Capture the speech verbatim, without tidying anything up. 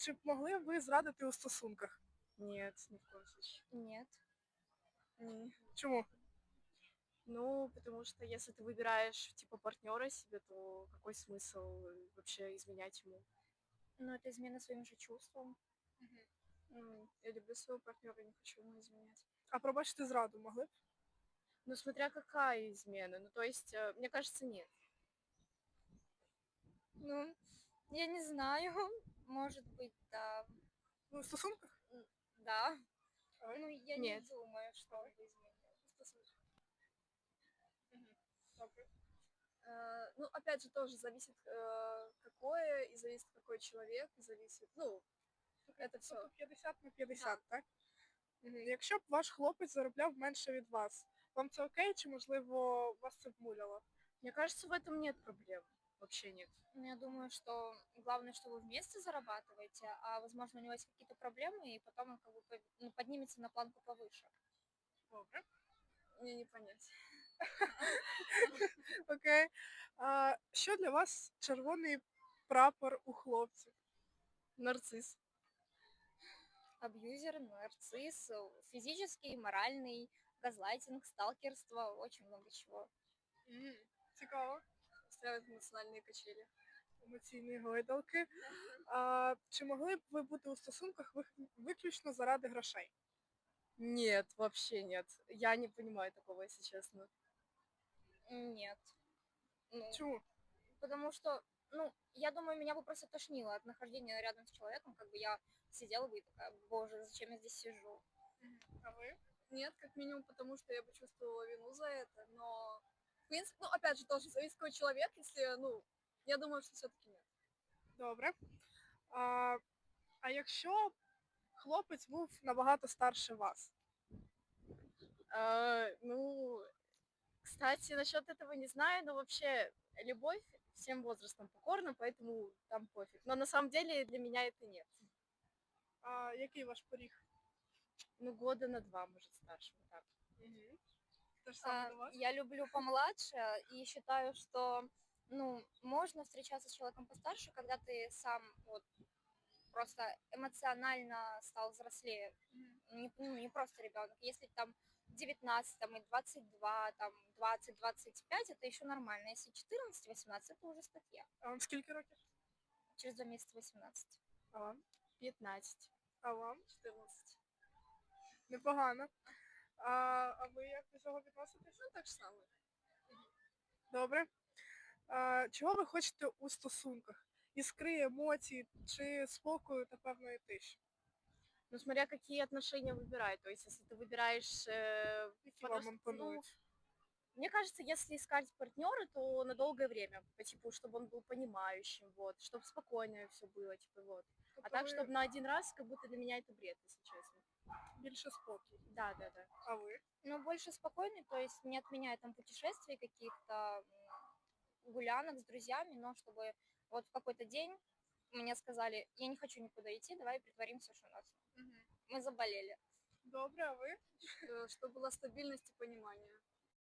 чи б могли ви зрадити у стосунках? Нет, ни в коем случае. Нет. Не. Чому? Ну, потому что если ты выбираешь, типа, партнера себе, то какой смысл э, вообще изменять ему? Но это измена своим же чувствам. Ну, я люблю своего партнера, не хочу ему изменять. А пробачити зраду могли б? Ну, смотря какая измена. Ну, то есть, э, мне кажется, нет. Ну, я не знаю. Может быть, да. Ну, у стосунках? М, Да. А ви? Ну, я не Нет. думаю, что он бы изменил. Добре. Э, Ну, опять же, тоже зависит, э, какое, и зависит, какой человек, и зависит, ну, это все. Тобто п'ятдесят на п'ятдесят, так? Мгм. Якщо б ваш хлопець заробляв менше від вас, вам це окей, чи, можливо, вас це б муляло? Мне кажется, в этом нет проблем. Вообще нет. Ну, я думаю, что главное, что вы вместе зарабатываете, а возможно у него есть какие-то проблемы, и потом он как бы по- ну, поднимется на планку повыше. Добре. Мне не понять. Окей. А, що для вас червоний прапор у хлопців? Нарцисс. Абьюзер, нарцисс, э, физический, моральный, газлайтинг, сталкерство, очень много чего. М, Цікаво. Устраивает эмоциональные качели. Емоційні гойдалки. А, чи могли б ви бути у стосунках вик- виключно заради грошей? Нет, вообще нет. Я не понимаю такого, если честно. Нет. Ну, Чому? потому что, ну, я думаю, меня бы просто тошнило от нахождения рядом с человеком, как бы я сидела бы и такая, боже, зачем я здесь сижу? А ви? Нет, как минимум, потому что я бы чувствовала вину за это, но, в принципе, ну, опять же, тоже зависит какой человек, если, ну, я думаю, что все-таки нет. Добре. А, а якщо хлопець був набагато старше вас? А, ну, кстати, насчет этого не знаю, но вообще любовь всем возрастам покорна, поэтому там пофиг. Но на самом деле для меня это нет. А який ваш поріг? Ну, года на два, может, старше, вот так. Угу. Те ж саме А, до вас? я люблю помладше и считаю, что, ну, можно встречаться с человеком постарше, когда ты сам вот просто эмоционально стал взрослее, не, ну, не просто ребенок. Если там девятнадцать, там, и двадцать два, там, двадцать двадцать пять, это еще нормально. Если четырнадцать восемнадцать, это уже статья. А вам скільки років? Через два месяца восемнадцать. А вам? пятнадцать. А вам? четырнадцать. Непогано. А, а ви як до цього відноситесь? Ну, так же самое. Добре. А, чого ви хочете у стосунках? Іскри, емоцій чи спокою та певної тиші? Ну, смотря какие отношения выбирать. То есть, если ты выбираешь... э, Які вам подрост- Ну, імпонують? мне кажется, если искать партнера, то на долгое время, по типу, чтобы он был понимающим, вот, чтобы спокойно все было, типа, вот. А Тобто так, ви чтобы на один раз, как будто для меня это бред, если честно. більше спокій. Да, да, да. А ви? Но больше спокойный, то есть не отменяя там путешествий каких-то, м, гулянок с друзьями, но чтобы вот в какой-то день мне сказали, я не хочу никуда идти, давай притворимся, что нас Угу. мы заболели. Добре, а ви? Э, Чтобы была стабильность и понимание.